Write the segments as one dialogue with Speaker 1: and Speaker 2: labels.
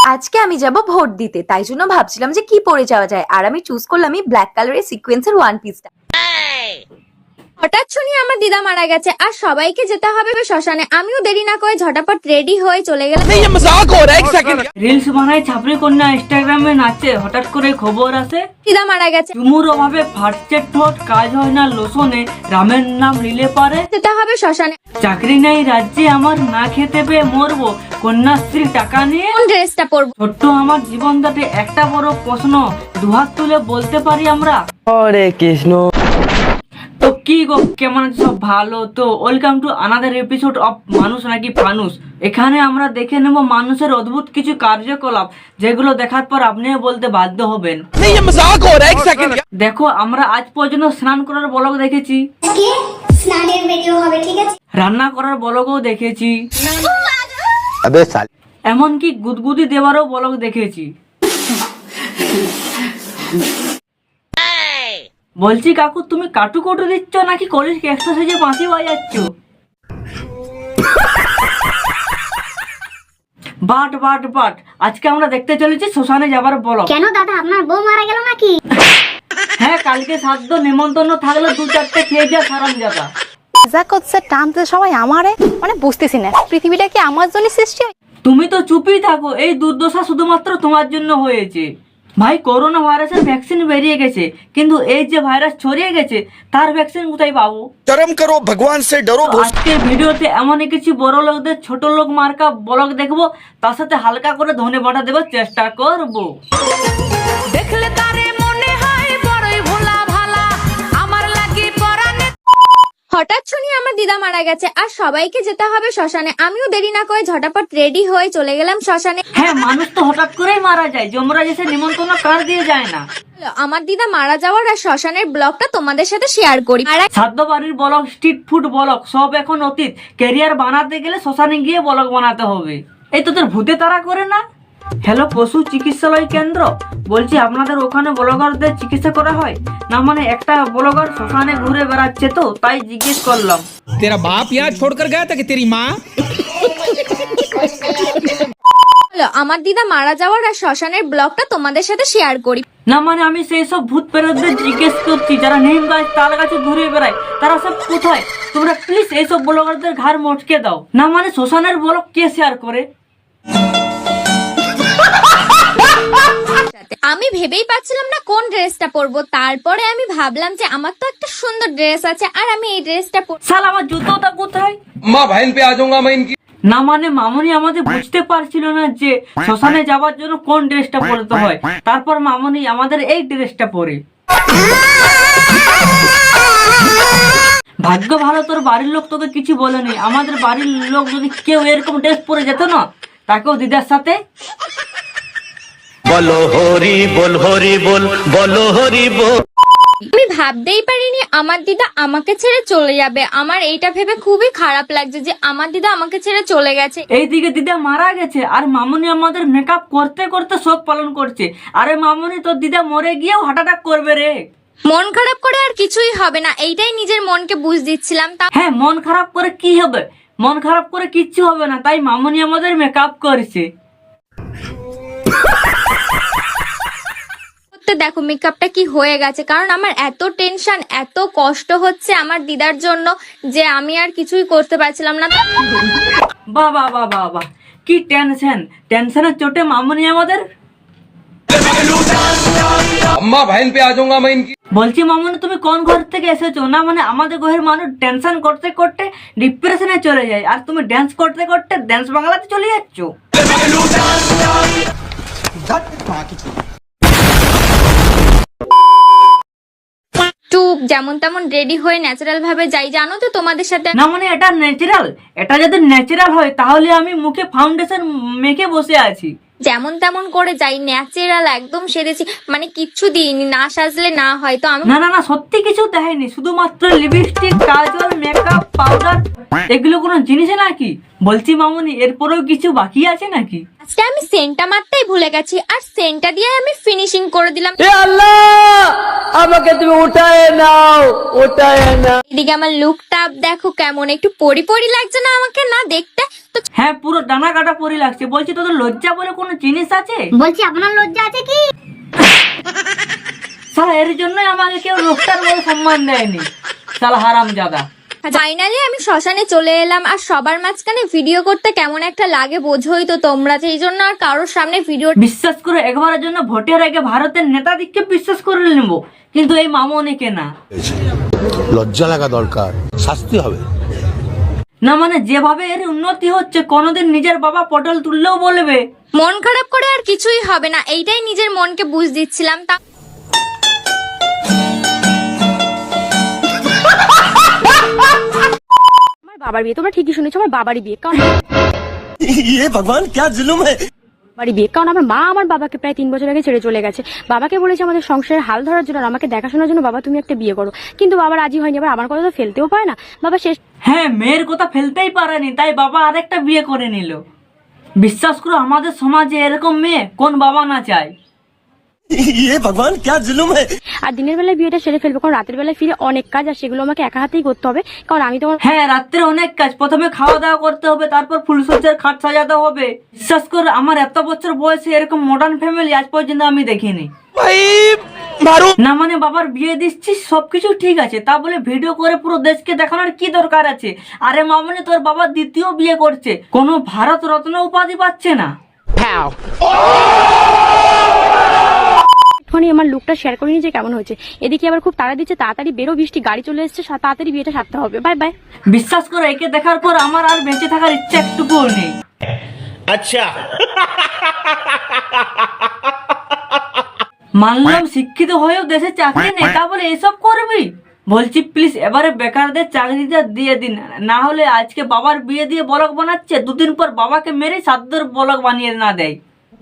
Speaker 1: আজকে আমি যাব ভোট দিতে, তাই জন্য ভাবছিলাম যে কি পরে যাওয়া যায়। আর আমি চুজ করলাম এই ব্ল্যাক কালারের সিকোয়েন্সের ওয়ান পিসটা।
Speaker 2: হঠাৎ শুনি আমার দিদা মারা গেছে আর সবাইকে যেতে হবে শ্মশানে। আমিও দেরি না করে ঝটাপট রেডি হয়ে চলে গেলাম।
Speaker 3: রিলস বানায় ছাপড়ি কন্যা ইনস্টাগ্রামে নাচে, হঠাৎ করে খবর আসে
Speaker 2: দিদা মারা গেছে,
Speaker 3: চুমুর অভাবে ফাটছে ঠোঁট, কাজ হয় না লোসনে, রামের নাম রিলে পারে,
Speaker 2: যেতে হবে শ্মশানে।
Speaker 3: চাকরি নেই রাজ্যে আমার, না খেতে পেয়ে মরবো, কন্যাশ্রী টাকা নিয়ে
Speaker 2: কোন ড্রেসটা পরবো?
Speaker 3: ছোট্ট আমার জীবনটাতে একটা বড় প্রশ্ন, দুহাত তুলে বলতে পারি আমরা
Speaker 4: হরে কৃষ্ণ।
Speaker 3: তো কি গো, কেমন আছে সব? ভালো তো? Welcome to another episode of মানুষ নাকি ফানুস। এখানে আমরা দেখে নেব মানুষের অদ্ভুত কিছু কার্যকলাপ, যেগুলো দেখার পর আপনিও বলতে বাধ্য হবেন। দেখো, আমরা আজ পর্যন্ত স্নান করার ব্লগ দেখেছি,
Speaker 5: স্নানের ভিডিও হবে, ঠিক আছে?
Speaker 3: রান্না করার ব্লগও দেখেছি,
Speaker 4: আবে সাল
Speaker 3: এমনকি গুদগুদি দেওয়ারও ব্লগ দেখেছি। বলছি কাকু, তুমি কাটু কটু দিচ্ছ নাকি কলেজ এক্সারসাইজে বাঁশি বাজাচ্ছ? বাট বাট বাট, আজকে আমরা দেখতে চলেছি শ্মশানে যাবার ব্লগ।
Speaker 5: কেন দাদা, আপনার বউ মারা গেল নাকি?
Speaker 3: হ্যাঁ, কালকে সাধ্য নেমন্তন্ন থাকলে দু চারটে খেয়ে যা সারান যাতা।
Speaker 6: যা করছে টানতে সবাই আমারে, মানে বুঝতেছি না পৃথিবীটা কি আমার জন্য সৃষ্টি?
Speaker 3: তুমি তো চুপই থাকো, এই দুর্দশা শুধুমাত্র তোমার জন্য হয়েছে। ভাই, করোনা ভাইরাসের ভ্যাকসিন বেরিয়ে গেছে, কিন্তু এই যে ভাইরাস ছড়িয়ে গেছে তার ভ্যাকসিন কোথায় পাবো?
Speaker 7: शर्म करो, भगवान से डरो।
Speaker 3: তো আজকের ভিডিওতে এমন কিছু বড় লোকদের ছোট লোক মার্কা ব্লগ দেখবো, তার সাথে হালকা করে ধনে বাটা দেওয়ার চেষ্টা করবো।
Speaker 2: দেখলে তারে মনে হয় বড়ই ভোলা ভালা, আমার লাগি পরানে। হঠাৎ শুনি আমার দিদা মারা গেছে আর সবাইকে যেতে হবে শ্মশানে। আমিও দেরি না করে ঝটাপট রেডি হয়ে চলে গেলাম শ্মশানে।
Speaker 3: হ্যাঁ, মানুষ তো হঠাৎ করেই মারা যায়, যমরাজ এসে নিমন্ত্রণ কার দিয়ে যায় না।
Speaker 2: আমার দিদা মারা যাওয়ার আর শ্মশানের ব্লগটা তোমাদের সাথে শেয়ার করি। আর
Speaker 3: সাধ্য বাড়ির ব্লগ, স্ট্রিট ফুড ব্লগ সব এখন অতীত। ক্যারিয়ার বানাতে গেলে শ্মশানে গিয়ে ব্লগ বানাতে হবে। এই তোদের ভূতে তারা করে না? হ্যালো, পশু চিকিৎসালয় কেন্দ্র বলছি, আপনাদের ওখানে ব্লগারদের চিকিৎসা করা হয় না? মানে একটা ব্লগার শ্মশানে ঘুরে বেড়াচ্ছে, তো তাই জিজ্ঞেস করলাম।
Speaker 8: तेरा बाप यहाँ छोड़कर गया था कि तेरी माँ?
Speaker 2: আমার দিদা মারা যাওয়ার আর শ্মশানের ব্লগটা তোমাদের সাথে শেয়ার করি।
Speaker 3: না মানে আমি সেই সব ভূত প্রেতদের জিজ্ঞেস করছি যারা নিম গাছ তাল গাছে ঘুরে বেড়ায়, তারা সব কোথায়? তোমরা প্লিজ এইসব ব্লগারদের ঘাড় মটকে দাও। না মানে শ্মশানের ব্লগ কে শেয়ার করে?
Speaker 2: আমি ভেবেই পাচ্ছিলাম না কোন ড্রেসটা পরবো। তারপরে আমি ভাবলাম যে আমার তো একটা সুন্দর ড্রেস আছে আর আমি এই ড্রেসটা
Speaker 3: শালা, আমার জুতোটা কোথায়?
Speaker 8: माँ बहन पे आ जाऊंगा मैं इनकी।
Speaker 3: না মানে মামনি আমাদের বুঝতে পারছিল না যে শ্মশানে যাওয়ার জন্য কোন ড্রেসটা পরতে হয়। তারপর মামনি আমাদের এই ড্রেসটা পরে। ভাগ্য ভালো তোর বাড়ির লোক তোকে কিছু বলেনি। আমাদের বাড়ির লোক যদি কেউ এরকম ড্রেস পরে যেত না, তাকেও দিদার সাথে
Speaker 4: বলো হরি বল, হরি বল, বলো হরি বল।
Speaker 2: আমি ভাবতেই পারিনি আমার দিদা আমাকে ছেড়ে চলে যাবে। আমার এইটা ভেবে খুবই খারাপ লাগছে যে আমার দিদা আমাকে ছেড়ে চলে গেছে।
Speaker 3: এইদিকে দিদা মারা গেছে আর মামনি আমাদের মেকআপ করতে করতে শোক পালন করছে। আরে মামনি, তোর দিদা মরে গিয়েও হার্ট অ্যাটাক করবে রে।
Speaker 2: মন খারাপ করে আর কিছুই হবে না, এইটাই নিজের মনকে বুঝ দিচ্ছিলাম।
Speaker 3: হ্যাঁ, মন খারাপ করে কি হবে? মন খারাপ করে কিচ্ছু হবে না, তাই মামনি আমাদের মেকআপ করছে।
Speaker 2: দেখো মেকআপটা কি হয়ে গেছে, কারণ আমার এত টেনশন, এত কষ্ট হচ্ছে আমার দিদার জন্য যে আমি আর কিছুই করতে পারছিলাম না।
Speaker 3: বাহ বাহ বাহ বাহ বাহ, কি টেনশন! টেনশনের চোটে মামনি আমাদের।
Speaker 8: अम्मा बहन पे आ जाऊंगा मैं इनकी।
Speaker 3: বলছি মামনি, তুমি কোন ঘর থেকে এসেছো? না মানে আমাদের ঘরের মানুষ টেনশন করতে করতে ডিপ্রেশনে চলে যায়, আর তুমি ড্যান্স করতে করতে ড্যান্স বাংলাতে চলে যাচ্ছ।
Speaker 2: যেমন তেমন রেডি হয়ে ন্যাচারাল ভাবে যাই, জানো তো তোমাদের সাথে।
Speaker 3: না মানে এটা ন্যাচারাল? এটা যদি ন্যাচারাল হয় তাহলে আমি মুখে ফাউন্ডেশন মেখে বসে আছি।
Speaker 2: যেমন তেমন করে যাই, ন্যাচারাল একদম সেরেছি, মানে কিচ্ছু দিইনি। না সাজলে না হয় তো আমি।
Speaker 3: না না না, সত্যি কিছু দেখাইনি, শুধুমাত্র লিপস্টিক, কাজল, মেকআপ, পাউডার, এগুলো কোনো জিনিস নাকি? বলছি মামুনি এরপরেও কিছু বাকি আছে নাকি?
Speaker 2: আজকে আমি সেন্টটা মারতেই ভুলে গেছি আর সেন্টটা দিয়ে আমি ফিনিশিং করে দিলাম।
Speaker 3: আমাকে তুমি উঠায় নাও।
Speaker 2: এদিকে আমার লুকটা দেখো কেমন, একটু পরি পরি লাগছে না আমাকে না দেখতে? তো
Speaker 3: হ্যাঁ পুরো ডানা কাটা পরি লাগছে। বলছি তোদের লজ্জা বলে কোনো জিনিস আছে?
Speaker 5: বলছি আপনার লজ্জা আছে কি?
Speaker 3: শালা এর জন্যই আমাকে কেউ লোকটার বলে সম্মান দেয়নি, শালা হারামজাদা।
Speaker 2: ফাইনালি আমি শ্মশানে চলে এলাম আর সবার মাঝখানে ভিডিও করতে কেমন একটা লাগে বোঝোই তো তোমরা, সেই জন্য আর কারোর সামনে ভিডিও
Speaker 3: বিশ্বাস করে একবারের জন্য ভোটের আগে ভারতের নেতাদিককে বিশ্বাস করে নেব, কিন্তু এই মামনিকে না।
Speaker 7: লজ্জা লাগা দরকার, শাস্তি হবে।
Speaker 3: না মানে যেভাবে এর উন্নতি হচ্ছে কোনোদিন নিজের বাবা পটল তুললেও বলবে।
Speaker 2: মন খারাপ করে আর কিছুই হবে না, এইটাই নিজের মনকে বুঝ দিচ্ছিলাম। তা
Speaker 6: আমার বাবার বিয়ে, তোমরা ঠিকই শুনেছো, আমার বাবারই বিয়ে। কারণ
Speaker 7: ये भगवान क्या जुल्म है।
Speaker 6: বাড়ি বিয়ে, কারণ আমার মা আমার বাবাকে প্রায় 3 বছর আগে ছেড়ে চলে গেছে। বাবাকে বলেছে আমাদের সংসারের হাল ধরার জন্য আর আমাকে দেখাশোনার জন্য, বাবা তুমি একটা বিয়ে করো, কিন্তু বাবা রাজি হয়নি। আবার আমার কথা তো ফেলতেও পারে না, বাবা শেষ
Speaker 3: হ্যাঁ মেয়ের কথা ফেলতেই পারেনি, তাই বাবা আরেকটা বিয়ে করে নিল। বিশ্বাস করো আমাদের সমাজে এরকম মেয়ে কোন বাবা না চায়।
Speaker 7: ये भगवान क्या जुल्म है।
Speaker 6: আর দিনের বেলায় বিয়েটা সেরে ফেলবো, কারণ রাতের বেলায় ফিরে অনেক কাজ আর সেগুলো আমাকে একা হাতেই করতে হবে, কারণ আমি তোমার
Speaker 3: হ্যাঁ রাত্রে অনেক কাজ, প্রথমে খাওয়া দাওয়া করতে হবে, তারপর ফুলসজ্জার খাট সাজাতে হবে। বিশ্বাস করে আমার এত বছর বয়সে এরকম মডার্ন ফ্যামিলি আজ পর্যন্ত আমি দেখিনি। না মানে বাবার বিয়ে দিচ্ছিস সবকিছু ঠিক আছে, তা বলে ভিডিও করে পুরো দেশকে দেখানোর কি দরকার আছে? আরে মামনি তোর বাবা দ্বিতীয় বিয়ে করছে, কোনো ভারত রত্ন উপাধি পাচ্ছে না।
Speaker 6: একটুখানি আমার লুকটা শেয়ার করে নিয়ে যে কেমন হয়েছে। এদিকে আবার খুব তাড়া দিচ্ছে, তাড়াতাড়ি বেরো, বৃষ্টি গাড়ি চলে এসছে, তাড়াতাড়ি বিয়েটা সারতে হবে। Bye bye.
Speaker 3: বিশ্বাস করো একে দেখার পর আমার আর বেঁচে থাকার ইচ্ছা একটুকুও নেই।
Speaker 4: अच्छा
Speaker 3: মানলাম শিক্ষিত হয়েও দেশে চাকরি নেই, তা বলে এসব করবি? বলছি প্লিজ এবারে বেকারদের চাকরিটা দিয়ে দিন, না হলে আজকে বাবার বিয়ে দিয়ে বলক বানাচ্ছে, দুদিন পর বাবাকে মেরে সাদ্দর বলক বানিয়ে না দেয়।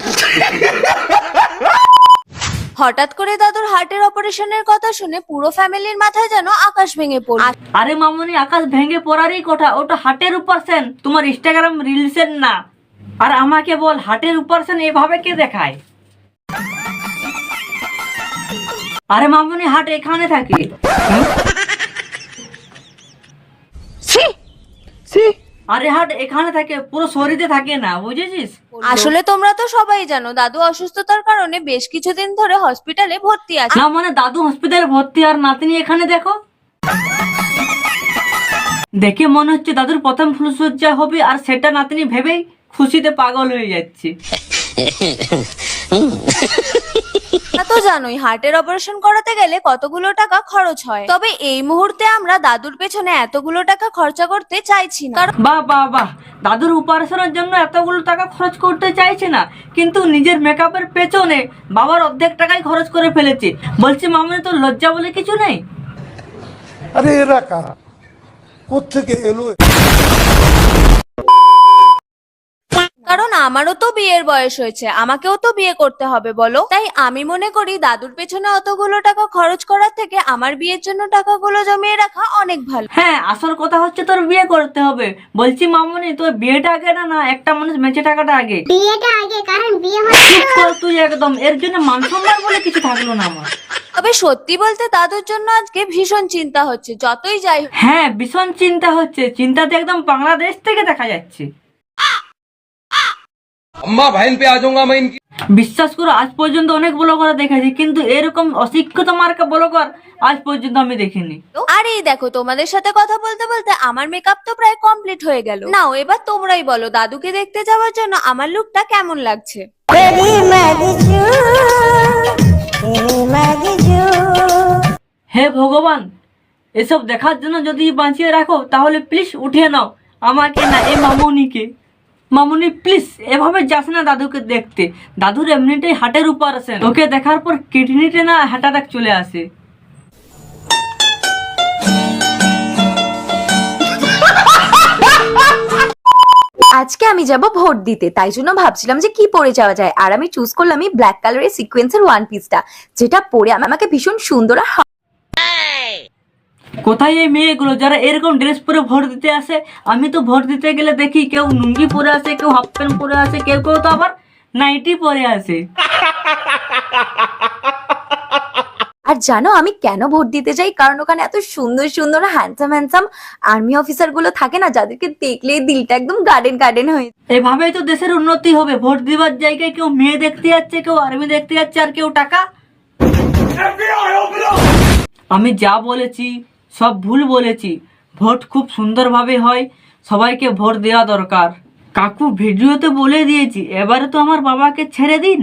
Speaker 1: হঠাৎ করে দাদুর হার্টের অপারেশনের কথা শুনে পুরো ফ্যামিলির মাথায় যেন আকাশ ভেঙে পড়ল।
Speaker 3: আরে মামনি আকাশ ভেঙে পড়ারই কথা, ওটা হার্টের অপারেশন, তোমার ইনস্টাগ্রাম রিলসের না। আর আমাকে বল হার্টের অপারেশন এভাবে কে দেখায়? আরে মামনি হার্ট এখানে থাকে। আরে হার্ট এখানে থাকে, পুরো শরীরে থাকে না, বুঝেছিস?
Speaker 1: আসলে তোমরা তো সবাই জানো দাদু অসুস্থতার কারণে বেশ কিছুদিন ধরে হসপিটালে ভর্তি আছে।
Speaker 3: না মানে দাদু হসপিটালে ভর্তি আর নাতনি এখানে দেখো। দেখে মনে হচ্ছে দাদুর প্রথম ফুলসজ্জা হবে আর সেটা নাতনি ভেবেই খুশিতে পাগল হয়ে যাচ্ছে।
Speaker 1: তা তো জানোই হার্টের অপারেশন করাতে গেলে কতগুলো টাকা খরচ হয়, তবে এই মুহূর্তে আমরা দাদুর পেছনে এতগুলো টাকা খরচা করতে চাইছি না। কারণ
Speaker 3: বাহ বাহ বাহ, দাদুর অপারেশনের জন্য এতগুলো টাকা খরচ করতে চাইছে না, কিন্তু নিজের মেকআপের পেছনে বাবার অর্ধেক টাকাই খরচ করে ফেলেছে। বলছি মামনি তোর লজ্জা বলে কিছু নেই?
Speaker 9: আরে এরা কারা, কোত্থেকে এলো?
Speaker 1: কারণ আমারও তো বিয়ের বয়স হয়েছে, আমাকেও তো বিয়ে করতে হবে বলো। তাই আমি মনে করি দাদুর পেছনে অতগুলো টাকা খরচ করার থেকে আমার বিয়ের জন্য টাকাগুলো জমিয়ে রাখা অনেক ভালো।
Speaker 3: হ্যাঁ আসল কথা হচ্ছে তোর বিয়ে করতে হবে। বলছি মামনি তোর বিয়েটা আগে না, না একটা মানুষ বেঁচে টাকাটা আগে?
Speaker 5: বিয়েটা আগে, কারণ বিয়ে হলে
Speaker 3: চুপ কর তুই একদম, এর জন্য মান সম্মান বলে কিছু থাকলো না আমার।
Speaker 1: তবে সত্যি বলতে দাদুর জন্য আজকে ভীষণ চিন্তা হচ্ছে, যতই যাই হোক।
Speaker 3: হ্যাঁ ভীষণ চিন্তা হচ্ছে, চিন্তাতে একদম বাংলাদেশ থেকে দেখা যাচ্ছে।
Speaker 8: अम्मा बहन पे आ जाऊंगा मैं इनकी।
Speaker 3: বিশ্বাস করো আজ পর্যন্ত অনেক ব্লগার দেখেছি, কিন্তু এরকম অশিক্ষিত মার্কা ব্লগার আজ পর্যন্ত আমি দেখিনি।
Speaker 1: আর এই দেখো তোমাদের সাথে কথা বলতে বলতে আমার মেকআপ তো প্রায় কমপ্লিট হয়ে গেল। নাও এবার তোমরাই বলো দাদুকে দেখতে যাওয়ার জন্য আমার লুকটা কেমন লাগছে।
Speaker 3: হে ভগবান, এসব দেখার জন্য যদি বাঁচিয়ে রাখো তাহলে প্লিজ উঠিয়ে নাও আমাকে না, এ মামনিকে। মামনি প্লিজ এভাবে যাস না দাদুকে দেখতে, দাদুর এমনিতেই হার্টের অপারেশন, ওকে দেখার পর কিডনিতে না হার্ট অ্যাটাক চলে আসে।
Speaker 1: আজকে আমি যাব ভোট দিতে, তাই জন্য ভাবছিলাম যে কি পরে যাওয়া যায়, আর আমি চুজ করলাম এই ব্ল্যাক কালারের সিকোয়েন্সের ওয়ান পিসটা, যেটা পরে আমাকে ভীষণ সুন্দর আর
Speaker 3: কোথায় এই মেয়েগুলো যারা এরকম ড্রেস পরে ভোট দিতে আসে? আমি তো ভোট দিতে গেলে দেখি কেউ লুঙ্গি পরে আসে, কেউ হাফ প্যান্ট পরে আসে, কেউ কেউ তো আবার নাইটি পরে আসে।
Speaker 10: আর জানো আমি কেন ভোট দিতে যাই? কারণ ওখানে এত সুন্দর সুন্দর হ্যান্ডসাম আর্মি অফিসার গুলো থাকে না, যাদেরকে দেখলেই দিলটা একদম গার্ডেন গার্ডেন হয়ে যায়।
Speaker 3: এভাবেই তো দেশের উন্নতি হবে। ভোট দিবার জায়গায় কেউ মেয়ে দেখতে যাচ্ছে, কেউ আর্মি দেখতে যাচ্ছে, আর কেউ টাকা। আমি যা বলেছি সব ভুল বলেছি। ভোট খুব সুন্দরভাবে হয়, সবাইকে ভোট দেওয়া দরকার। কাকু ভিডিওতে বলে দিয়েছি, এবারে তো আমার বাবাকে ছেড়ে দিন।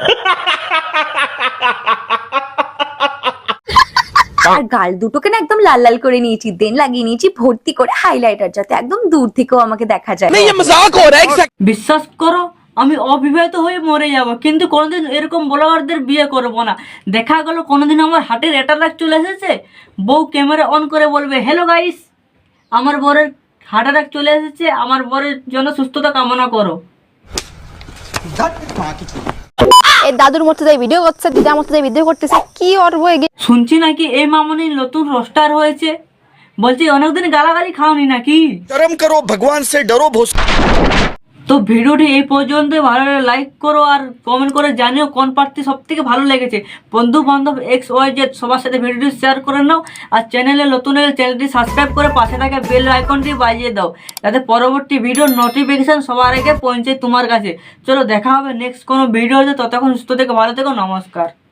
Speaker 10: আর গাল দুটোকে না একদম লাল লাল করে নিয়েছি, দেন লাগিয়ে নিয়েছি ভর্তি করে হাইলাইটার, যাতে একদম দূর থেকেও আমাকে দেখা যায়।
Speaker 3: বিশ্বাস করো আমি অবিবাহিত হয়ে মরে যাব, কিন্তু কোনোদিন এরকম ব্লগারদের বিয়ে করব না। দেখা গেল কোনোদিন আমার হার্টের অ্যাটাক চলে এসেছে, বউ ক্যামেরা অন করে বলবে, হ্যালো গাইস, আমার বরের হার্ট অ্যাটাক চলে এসেছে, আমার বরের জন্য সুস্থতা কামনা করো।
Speaker 2: এই দাদুর মতো যাই ভিডিও করছে, দিদার মতো যাই ভিডিও করতেছে, কি অর্ব
Speaker 3: শুনছি নাকি এই মামনি নতুন রোস্টার হয়েছে, বলছি অনেকদিন গালাগালি খাওনি নাকি?
Speaker 7: कर्म करो भगवान से डरो भोस।
Speaker 3: তো ভিডিওটি এই পর্যন্ত, ভালো লাগলে লাইক করো আর কমেন্ট করে জানিও কোন প্রার্থী সব থেকে ভালো লেগেছে। বন্ধু বান্ধব XYZ সবার সাথে ভিডিওটি শেয়ার করে নাও, আর চ্যানেলে নতুন হলে চ্যানেলটি সাবস্ক্রাইব করে পাশে থাকা বেল আইকনটি বাজিয়ে দাও, যাতে পরবর্তী ভিডিওর নোটিফিকেশন সবার আগে পৌঁছে তোমার কাছে। চলো দেখা হবে নেক্সট কোনো ভিডিওতে, ততক্ষণ সুস্থ থেকে ভালো থেকো, নমস্কার।